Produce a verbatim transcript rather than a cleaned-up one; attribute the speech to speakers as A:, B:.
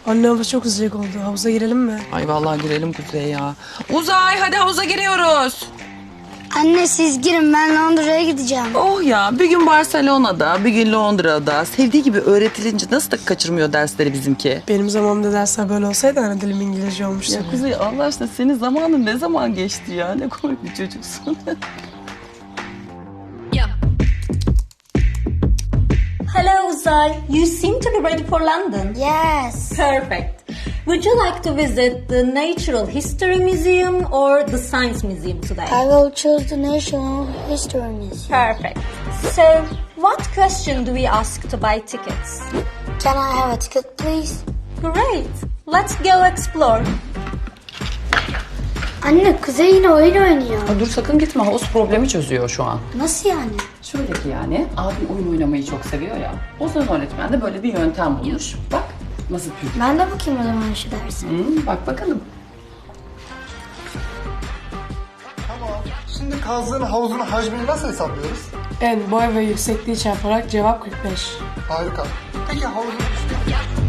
A: Anne hava çok sıcak oldu. Havuza girelim mi?
B: Ay vallahi girelim Kuzey ya. Uzay hadi havuza giriyoruz.
C: Anne siz girin, ben Londra'ya gideceğim.
B: Oh ya bir gün Barcelona'da bir gün Londra'da sevdiği gibi öğretilince nasıl da kaçırmıyor dersleri bizimki.
A: Benim zamanımda dersler böyle olsaydı ana dilim İngilizce olmuştu.
B: Ya Kuzey Allah aşkına senin zamanın ne zaman geçti ya? Ne komik bir çocuksun.
D: Hello, Uzay. You seem to be ready for London.
C: Yes.
D: Perfect. Would you like to visit the Natural History Museum or the Science Museum today?
C: I will choose the National History Museum.
D: Perfect. So, what question do we ask to buy tickets?
C: Can I have a ticket, please?
D: Great. Let's go explore.
C: Anne, Kuzey yine oyun oynuyor.
B: Dur sakın gitme havuz problemi çözüyor şu an.
C: Nasıl yani?
B: Şöyle ki yani abim oyun oynamayı çok seviyor ya. Ozan öğretmen de böyle bir yöntem bulmuş. Bak nasıl püf.
C: Ben de bakayım o zaman şu dersi.
B: Hmm, bak bakalım.
E: Tamam. Şimdi kazdığın havuzun hacmini nasıl hesaplıyoruz?
A: En boy ve yüksekliği çarparak cevap kırk beş.
E: Harika. Peki havuzun üstü...